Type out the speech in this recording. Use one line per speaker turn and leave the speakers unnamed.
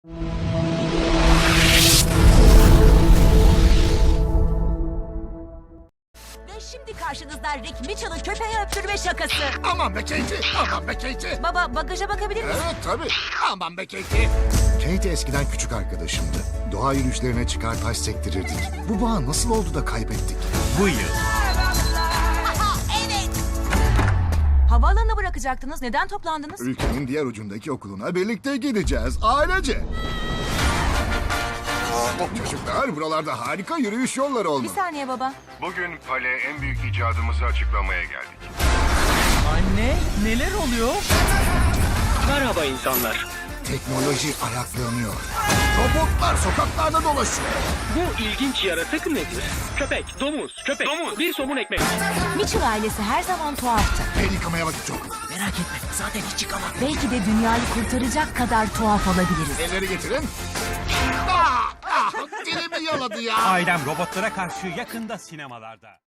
Ve şimdi karşınızda Rick Mitchell'ın köpeği öptürme şakası.
Aman be Katie, aman be Katie.
Baba, bagaja bakabilir misin?
Evet tabii, aman be Katie. Katie eskiden küçük arkadaşımdı. Doğa yürüyüşlerine çıkar taş sektirirdik. Bu bağ nasıl oldu da kaybettik?
Bu yıl.
Evet. Havaalanına bırakacaktınız. Neden toplandınız?
Ülkenin diğer ucundaki okuluna birlikte gideceğiz, ailece. Çocuklar, buralarda harika yürüyüş yolları
Bir
olmalı.
saniye baba.
Bugün Pale en büyük icadımızı açıklamaya geldik.
Anne, neler oluyor?
Merhaba insanlar.
Teknoloji ayaklanıyor. Robotlar sokaklarda dolaşıyor.
Bu ilginç yaratık nedir? Köpek, domuz, köpek, domuz, bir somun ekmek.
Mitchell ailesi her zaman tuhaftı.
El yıkamaya vakit yok.
Merak etme, zaten hiç yıkamam.
Belki de dünyayı kurtaracak kadar tuhaf olabiliriz.
Elleri getirin. Dilimi yaladı ya.
Ailem robotlara karşı yakında sinemalarda.